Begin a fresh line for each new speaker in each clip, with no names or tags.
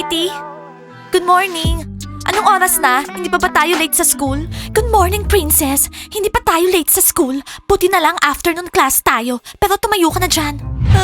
Kitty? Good morning. Anong oras na? Hindi pa ba tayo late sa school? Good morning, Princess. Hindi pa tayo late sa school. Buti na lang afternoon class tayo. Pero tumayo ka na dyan.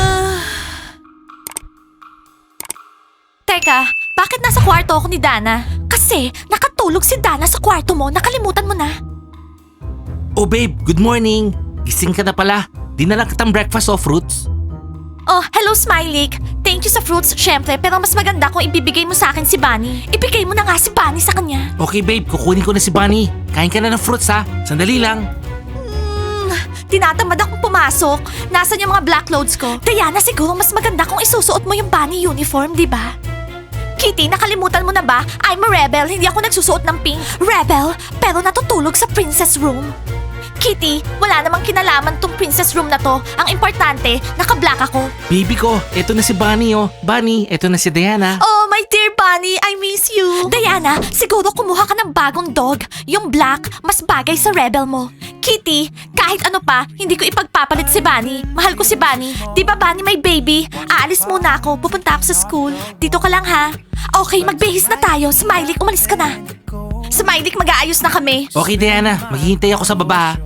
Teka, bakit nasa kwarto ako ni Dana? Kasi nakatulog si Dana sa kwarto mo. Nakalimutan mo na.
Oh babe, good morning. Gising ka na pala. Dinalang kitang breakfast o fruits.
Oh, hello Smiley. Thank you sa fruits, syempre. Pero mas maganda kung ibibigay mo sa akin si Bunny. Ibigay mo na nga si Bunny sa kanya.
Okay babe, kukunin ko na si Bunny. Kain ka na ng fruits ha. Sandali lang.
Tinatamad akong pumasok. Nasaan yung mga black clothes ko? Diana, siguro mas maganda kung isusuot mo yung Bunny uniform, di ba? Kitty, nakalimutan mo na ba? I'm a rebel, hindi ako nagsusuot ng pink. Rebel? Pero natutulog sa princess room. Kitty, wala namang kinalaman tong princess room na to. Ang importante, naka-black ako.
Baby ko, eto na si Bunny oh. Bunny, eto na si Diana.
Oh, my dear Bunny, I miss you. Diana, siguro kumuha ka ng bagong dog. Yung black, mas bagay sa rebel mo. Kitty, kahit ano pa, hindi ko ipagpapalit si Bunny. Mahal ko si Bunny. Di ba Bunny may baby? Aalis muna ako, pupunta ako sa school. Dito ka lang ha. Okay, magbihis na tayo. Smiley, umalis ka na. Smiley, mag-aayos na kami.
Okay Diana, maghihintay ako sa baba ha.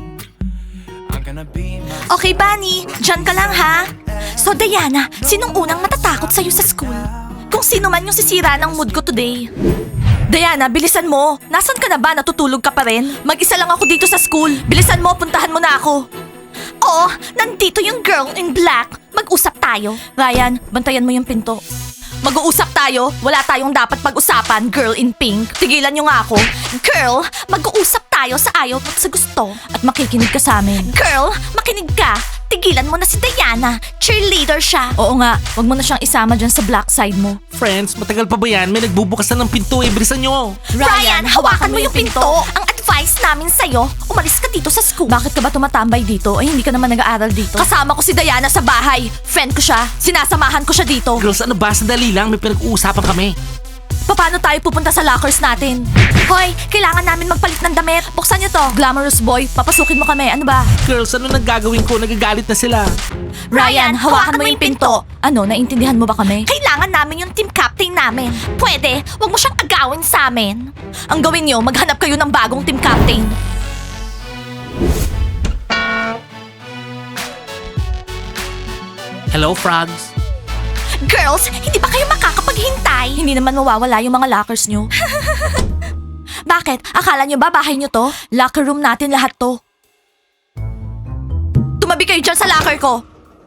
Okay, Bunny, dyan ka lang ha. So Diana, sinong unang matatakot sa'yo sa school? Kung sino man yung sisira ng mood ko today. Diana, bilisan mo. Nasaan ka na ba? Natutulog ka pa rin? Mag-isa lang ako dito sa school. Bilisan mo, puntahan mo na ako. Oo, nandito yung girl in black. Mag-usap tayo. Ryan, bantayan mo yung pinto. Mag-uusap tayo. Wala tayong dapat pag-usapan, girl in pink. Tigilan niyo nga ako. Girl, mag-uusap tayo sa ayaw at sa gusto. At makikinig ka sa amin. Girl, makinig ka. Tigilan mo na si Diana. Cheerleader siya. Oo nga, wag mo na siyang isama dyan sa black side mo.
Friends, matagal pa ba yan? May nagbubukas na ng pinto eh. Bilisan nyo.
Ryan, hawakan mo yung pinto. Ang advice namin sa'yo, umalis ka dito sa school. Bakit ka ba tumatambay dito? Ay, hindi ka naman nag-aaral dito. Kasama ko si Diana sa bahay. Friend ko siya. Sinasamahan ko siya dito.
Girls, ano ba? Sandali lang. May pinag-uusapan kami.
Paano tayo pupunta sa lockers natin? Hoy, kailangan namin magpalit ng damit. Buksan niyo to. Glamorous boy, papasukin mo kami. Ano ba?
Girls, ano nang gagawin ko? Nagagalit na sila.
Ryan, hawakan mo yung pinto. Ano, naintindihan mo ba kami? Kailangan namin yung team captain namin. Pwede, wag mo siyang agawin sa amin. Ang gawin niyo, maghanap kayo ng bagong team captain.
Hello, frogs.
Girls, hindi ba kayo makakapaghintay? Hindi naman mawawala yung mga lockers nyo. Bakit? Akala nyo ba bahay nyo to? Locker room natin lahat to. Tumabi kayo dyan sa locker ko.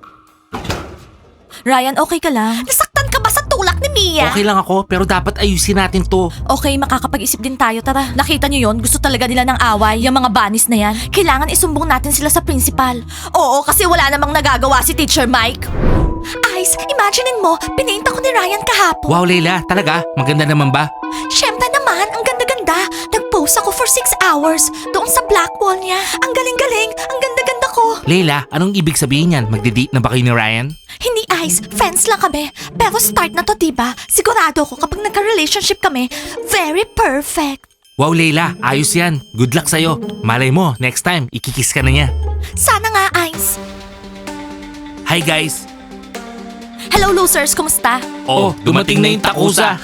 Ryan, okay ka lang? Nasaktan ka ba sa tulak ni Mia?
Okay lang ako, pero dapat ayusin natin to.
Okay, makakapag-isip din tayo. Tara, nakita nyo yon? Gusto talaga nila ng away. Yung mga banis na yan. Kailangan isumbong natin sila sa principal. Oo, kasi wala namang nagagawa si Teacher Mike. Ice, imaginein mo, pinaint ako ni Ryan kahapon.
Wow, Leila, talaga? Maganda naman ba?
Siyempre naman, ang ganda-ganda. Nag-post ako for 6 hours doon sa black wall niya. Ang galing-galing, ang ganda-ganda ko.
Leila, anong ibig sabihin yan? Magde-date na ba kayo ni Ryan?
Hindi Ice, friends lang kami. Pero start na to, diba? Sigurado ko kapag nagka-relationship kami, very perfect.
Wow, Leila, ayos yan. Good luck sa'yo. Malay mo, next time, ikikiss ka na niya.
Sana nga, Ice.
Hi guys.
Hello, losers. Kumusta?
Oh, dumating na yung takusa.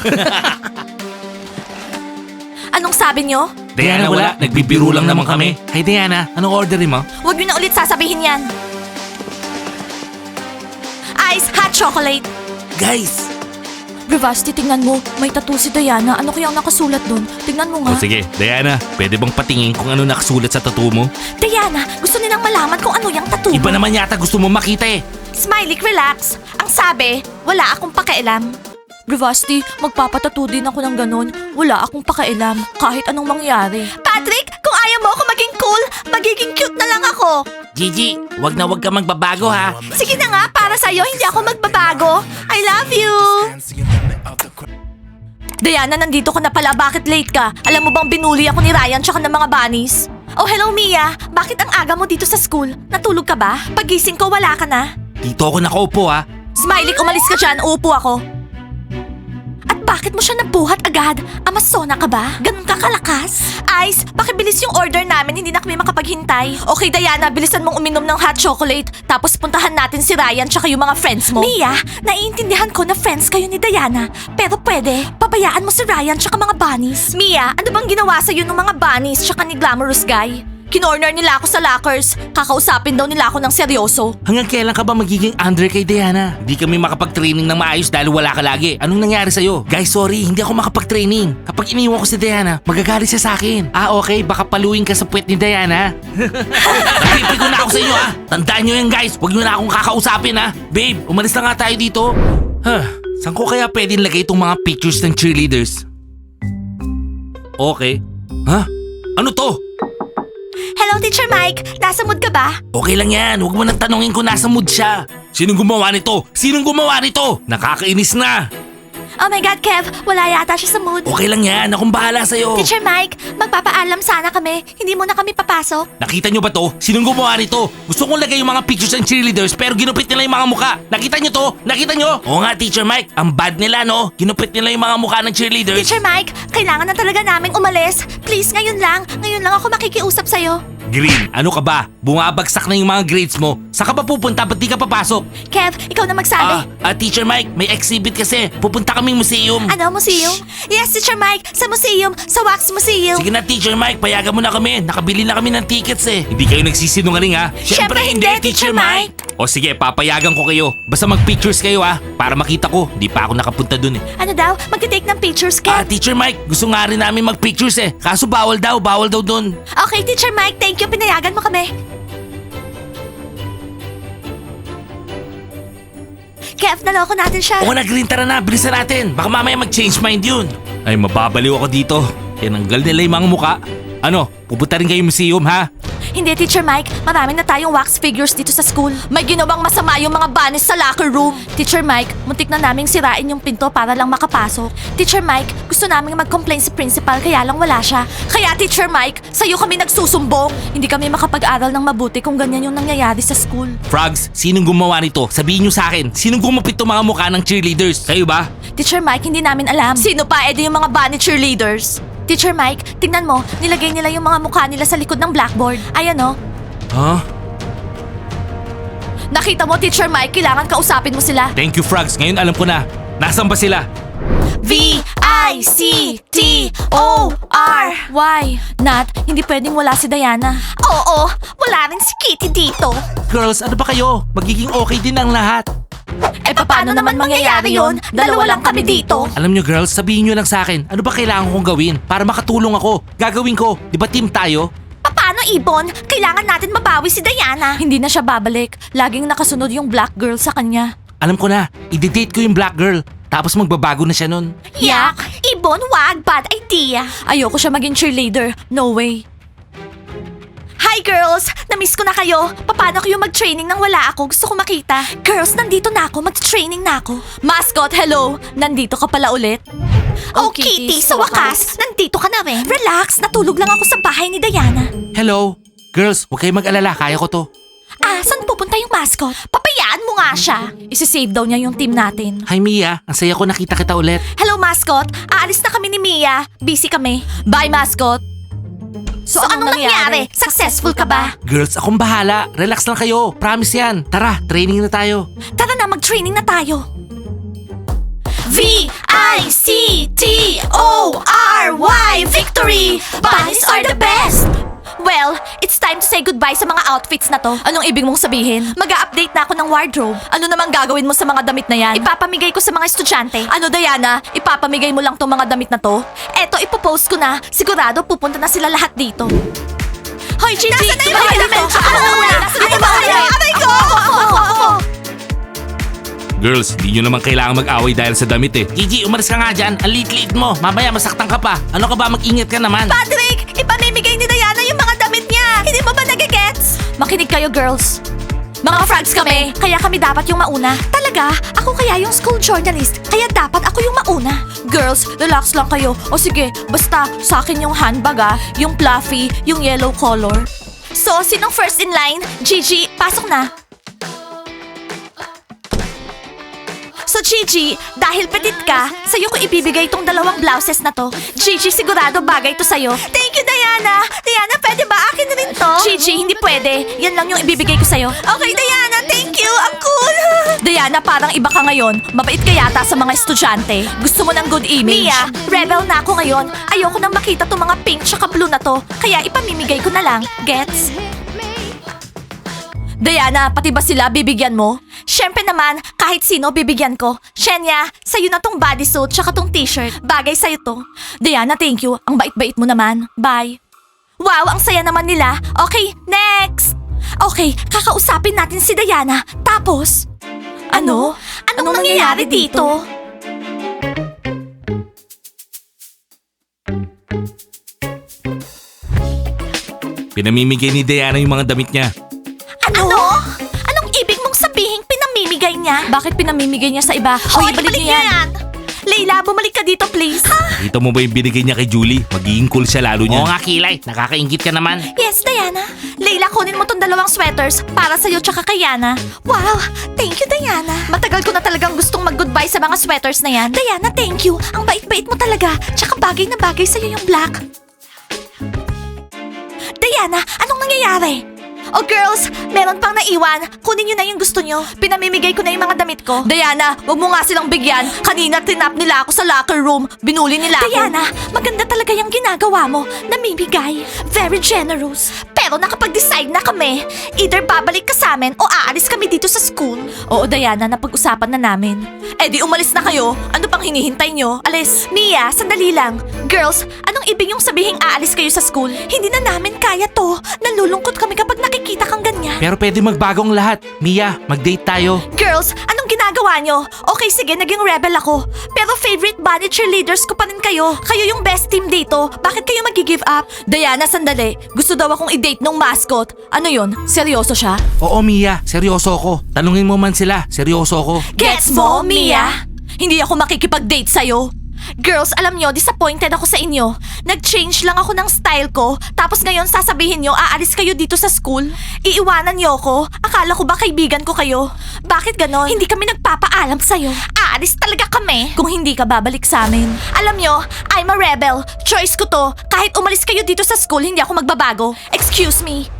Anong sabi nyo?
Diana, wala. Nagbibiro lang naman kami. Hi Diana, anong orderin mo?
Huwag nyo na ulit sasabihin yan. Ice, hot chocolate.
Guys!
Bravasti, tingnan mo. May tattoo si Diana. Ano kayang nakasulat dun? Tingnan mo nga.
O sige, Diana, pwede bang patingin kung ano nakasulat sa tattoo mo?
Diana, gusto nilang malaman kung ano yung tattoo.
Iba naman yata gusto mo makita eh.
Smiley, relax. Ang sabi, wala akong pakialam. Bravasti, magpapatattoo din ako ng ganun. Wala akong pakialam, kahit anong mangyari. Patrick, kung ayaw mo ako maging cool, magiging cute na lang ako.
Gigi, wag na wag ka magbabago ha.
Sige na nga, para sa'yo, hindi ako magbabago. I love you. Diana, nandito ka na pala. Bakit late ka? Alam mo bang binuli ako ni Ryan tsaka ng mga bunnies? Oh, hello Mia. Bakit ang aga mo dito sa school? Natulog ka ba? Pagising ko, wala ka na.
Dito ako nakaupo ha.
Smiley, umalis ka dyan. Uupo ako. At bakit Bakit mo siya nabuhat agad? Amazona ka ba? Ganun ka kalakas? Ice, pakibilis yung order namin, hindi na kami makapaghintay. Okay, Diana, bilisan mong uminom ng hot chocolate. Tapos puntahan natin si Ryan tsaka yung mga friends mo. Mia, naiintindihan ko na friends kayo ni Diana. Pero pwede, pabayaan mo si Ryan tsaka mga bunnies. Mia, ano bang ginawa sa'yo ng mga bunnies tsaka ni Glamorous Guy? Kinorner nila ako sa lockers. Kakausapin daw nila ako ng seryoso.
Hanggang kailan ka ba magiging under kay Diana? Di kami makapag-training ng maayos dahil wala ka lagi. Anong nangyari sa'yo? Guys, sorry, hindi ako makapag-training. Kapag iniwan ko si Diana, magagalit siya sa akin. Okay, baka paluin ka sa puwet ni Diana. Napipigo na ako sa inyo Tandaan nyo yan guys, huwag nyo na akong kakausapin Babe, umalis na nga tayo dito. Saan ko kaya pwedeng lagay itong mga pictures ng cheerleaders? Okay. Ano to?
Hello, Teacher Mike. Nasa mood ka ba?
Okay lang yan, huwag mo nang tanongin kung nasa mood siya. Sinong gumawa nito? Sinong gumawa nito? Nakakainis na.
Oh my God, Kev. Wala yata siya sa mood.
Okay lang yan, akong bahala sa'yo.
Teacher Mike, magpapaalam sana kami. Hindi mo na kami papasok.
Nakita nyo ba to? Sinong gumawa nito? Gusto kong lagay yung mga pictures ng cheerleaders pero ginupit nila yung mga muka. Nakita nyo to? Nakita nyo? Oo nga, Teacher Mike. Ang bad nila, no? Ginupit nila yung mga mukha ng cheerleaders.
Teacher Mike, kailangan na talaga naming umalis. Please, ngayon lang. Ngayon lang ako makikiusap sa'yo.
Green, ano ka ba? Bumabagsak na yung mga grades mo. Saan ka pa pupunta? Ba't di ka papasok?
Kev, ikaw na magsabi.
Teacher Mike, may exhibit kasi. Pupunta kaming museum.
Ano, museum? Yes, Teacher Mike. Sa museum. Sa Wax Museum.
Sige na, Teacher Mike, payagan mo na kami. Nakabili na kami ng tickets Hindi kayo nagsisinungaling
Syempre hindi, Teacher Mike.
O sige, papayagan ko kayo. Basta mag-pictures kayo para makita ko. Di pa ako nakapunta dun
Ano daw? Magte-take ng pictures, Kev?
Teacher Mike, gusto nga rin namin mag-pictures Kaso bawal daw dun.
Okay, Teacher Mike. Thank you. Pinayagan mo kami. Kev, naloko natin siya.
Oo na, Green, tara na. Bilisan natin. Baka mamaya mag-change mind yun. Ay, mababaliw ako dito. Tinanggal nila yung mga muka. Ano, pupunta rin kayo museum,
Hindi, Teacher Mike. Marami na tayong wax figures dito sa school. May ginawang masama yung mga bunnies sa locker room. Teacher Mike, muntik na naming sirain yung pinto para lang makapasok. Teacher Mike, gusto naming mag-complain sa principal kaya lang wala siya. Kaya Teacher Mike, sa'yo kami nagsusumbong. Hindi kami makapag-aral ng mabuti kung ganyan yung nangyayari sa school.
Frogs, sinong gumawa nito? Sabihin nyo sa akin, sinong gumupit itong mga mukha ng cheerleaders? Kayo ba?
Teacher Mike, hindi namin alam. Sino pa? Edi yung mga bunny cheerleaders. Teacher Mike, tingnan mo, nilagay nila yung mga mukha nila sa likod ng blackboard. Ayan Nakita mo, Teacher Mike, kailangan kausapin mo sila.
Thank you, Frogs. Ngayon alam ko na. Nasaan ba sila?
V-I-C-T-O-R Why? Nat, hindi pwedeng wala si Diana. Oo, wala rin si Kitty dito.
Girls, ano ba kayo? Magiging okay din ang lahat.
Paano naman mangyayari yun? Dalawa lang kami dito.
Alam nyo girls, sabihin nyo lang sa akin, ano ba kailangan kong gawin para makatulong ako? Gagawin ko, di ba team tayo?
Paano, Ibon? Kailangan natin mabawi si Diana. Hindi na siya babalik. Laging nakasunod yung black girl sa kanya.
Alam ko na, i-date ko yung black girl. Tapos magbabago na siya nun.
Yak! Ibon, wag! Bad idea! Ayoko siya maging cheerleader. No way. Hi girls! Namiss ko na kayo. Paano kayo mag-training nang wala ako? Gusto ko makita. Girls, nandito na ako. Mag-training na ako. Mascot, hello! Nandito ka pala ulit. Oh, Kitty, sa wakas, nandito ka na rin. Relax, natulog lang ako sa bahay ni Diana.
Hello? Girls, huwag kayong mag-alala, kaya ko to.
Saan pupunta yung mascot? Papayaan mo nga siya. Isi-save daw niya yung team natin.
Hi Mia, ang saya ko nakita kita ulit.
Hello, mascot. Aalis na kami ni Mia. Busy kami. Bye, mascot. So anong nangyari? Successful ka ba?
Girls, akong bahala. Relax lang kayo. Promise yan. Tara, training na tayo.
Tara na, mag-training na tayo. V-I-C-T-O-R-Y Victory! Bunnies are the best! Well, it's time to say goodbye sa mga outfits na to. Anong ibig mong sabihin? Mag-a-update na ako ng wardrobe. Ano namang gagawin mo sa mga damit na yan? Ipapamigay ko sa mga estudyante. Ano, Diana? Ipapamigay mo lang tong mga damit na to? Eto, ipopost ko na. Sigurado pupunta na sila lahat dito. Hoy, Gigi! Nasaan na yung mga damit? Ano na una? Nasaan yung mga damit? Aray ko! Ako!
Girls, di nyo naman kailangan mag-away dahil sa damit Gigi, umalis ka nga dyan. Ang liit-liit mo. Mamaya masaktan ka pa. Ano ka ba? Mag-ingat ka naman.
Patrick! Ipamimigay ni Diana yung mga damit niya! Hindi mo ba nagigets? Makinig kayo, girls. Mga frogs kami, kaya kami dapat yung mauna. Talaga? Ako kaya yung school journalist, kaya dapat ako yung mauna. Girls, relax lang kayo. O sige, basta sa akin yung handbag yung fluffy, yung yellow color. So, sinong first in line? Gigi, pasok na. So So Gigi, dahil petit ka, sa'yo ko ibibigay itong 2 blouses na to. Gigi, sigurado bagay to sa'yo. Thank you, Diana. Diana, pwede ba akin na rin to? Gigi, hindi pwede. Yan lang yung ibibigay ko sa'yo. Okay, Diana, thank you. Ang cool. Diana, parang iba ka ngayon. Mabait ka yata sa mga estudyante. Gusto mo ng good image. Mia, rebel na ako ngayon. Ayoko nang makita tong mga pink tsaka blue na to. Kaya ipamimigay ko na lang. Gets? Diana, pati ba sila bibigyan mo? Siyempre naman, kahit sino bibigyan ko. Shenya, sa'yo na tong bodysuit tsaka tong t-shirt. Bagay sa'yo to. Diana, thank you. Ang bait-bait mo naman. Bye. Wow, ang saya naman nila. Okay, next! Okay, kakausapin natin si Diana. Tapos, ano? Anong nangyayari dito?
Pinamimigay ni Diana yung mga damit niya.
Ano? Anong ibig mong sabihin pinamimigay niya? Bakit pinamimigay niya sa iba? Hoy, ibalik niya yan! Leila, bumalik ka dito please.
Kita mo ba yung binigay niya kay Julie? Magiging cool siya lalo niya. Oo nga, Kilay. Nakakaingit ka naman.
Yes, Diana. Leila, kunin mo tong 2 sweaters para sa'yo tsaka kay Yana. Wow, thank you, Diana. Matagal ko na talagang gustong mag-goodbye sa mga sweaters na yan. Diana, thank you. Ang bait-bait mo talaga. Tsaka bagay na bagay sa'yo yung black. Diana, anong nangyayari? Oh girls, meron pang naiwan. Kunin nyo na yung gusto nyo. Pinamimigay ko na yung mga damit ko. Diana, wag mo nga silang bigyan. Kanina tinap nila ako sa locker room. Binuli nila ako. Diana, maganda talaga yung ginagawa mo. Namimigay. Very generous. Pero nakapag-decide na kami. Either babalik ka sa amin o aalis kami dito sa school. Oo, Diana, napag-usapan na namin. Eh di umalis na kayo. Ano pang hinihintay nyo? Alis. Mia, sandali lang. Girls, anong ibig yung sabihing aalis kayo sa school? Hindi na namin kaya to. Nalulungkot kami kapag nakikita kang ganyan.
Pero pwede magbagong lahat. Mia, mag-date tayo.
Girls, anong ginagawa nyo? Okay, sige, naging rebel ako. Pero favorite bunny cheerleaders ko pa rin kayo. Kayo yung best team dito. Bakit kayo mag-give up? Diana, sandali. Gusto daw akong i-date nung mascot. Ano yun? Seryoso siya?
Oo, Mia. Seryoso ako. Tanungin mo man sila. Seryoso ako.
Gets mo, Mia? Hindi ako makikipag-date sa'yo. Girls, alam nyo, disappointed ako sa inyo. Nag-change lang ako ng style ko, tapos ngayon sasabihin nyo, aalis kayo dito sa school? Iiwanan nyo ko? Akala ko ba kaibigan ko kayo? Bakit ganon? Hindi kami nagpapaalam sa'yo. Aalis talaga kami. Kung hindi ka babalik sa amin. Alam nyo, I'm a rebel. Choice ko to. Kahit umalis kayo dito sa school, hindi ako magbabago. Excuse me.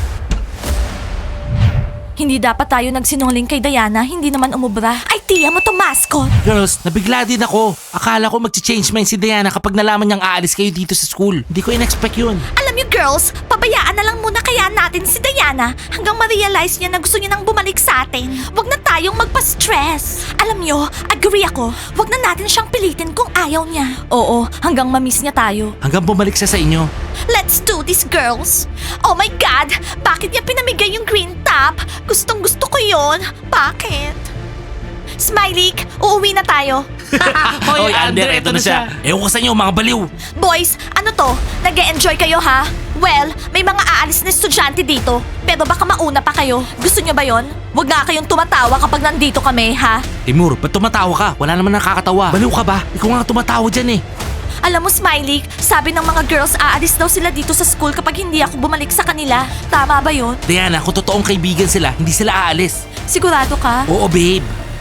Hindi dapat tayo nagsinungaling kay Diana, hindi naman umubra. Ay, tiya mo to, mascot!
Girls, nabigla din ako. Akala ko magche-change mind si Diana kapag nalaman niyang aalis kayo dito sa school. Hindi ko in-expect yun.
Alam niyo, girls, pabayaan na lang muna kaya natin si Diana hanggang ma-realize niya na gusto niya nang bumalik sa atin. Huwag na tayong magpa-stress. Alam niyo, agree ako. Huwag na natin siyang pilitin kung ayaw niya. Oo, hanggang ma-miss niya tayo.
Hanggang bumalik siya sa inyo.
Let's do this, girls! Oh my God! Bakit niya pinamigay yung green top? Gustong gusto ko yon. Bakit? Smiley, uuwi na tayo.
Hoy, Ander, eto na siya. Ewan ko sa inyo, mga baliw.
Boys, ano to? Nag-e-enjoy kayo ha? Well, may mga aalis na estudyante dito. Pero baka mauna pa kayo. Gusto nyo ba yon? Huwag nga kayong tumatawa kapag nandito kami, ha?
Timur, ba't tumatawa ka? Wala naman nakakatawa. Baliw ka ba? Ikaw nga tumatawa dyan eh.
Alam mo, Smiley, sabi ng mga girls aalis daw sila dito sa school kapag hindi ako bumalik sa kanila. Tama ba yon?
Diana, kung totoong kaibigan sila, hindi sila aalis.
Sigurado ka?
Oo, babe.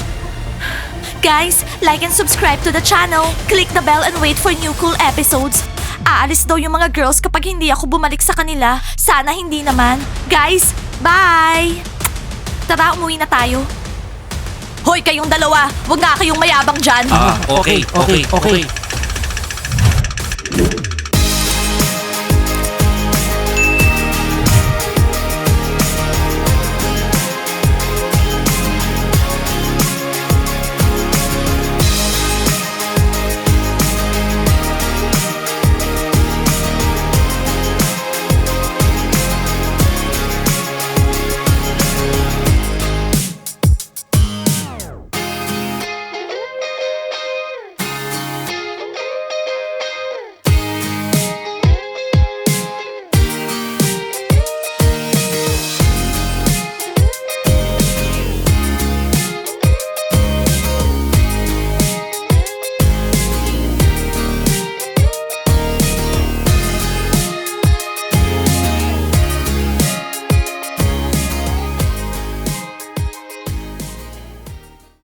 Guys, like and subscribe to the channel. Click the bell and wait for new cool episodes. Aalis daw yung mga girls kapag hindi ako bumalik sa kanila. Sana hindi naman. Guys, bye! Tara, umuwi na tayo. Hoy, kayong dalawa! Huwag nga kayong mayabang dyan.
Okay.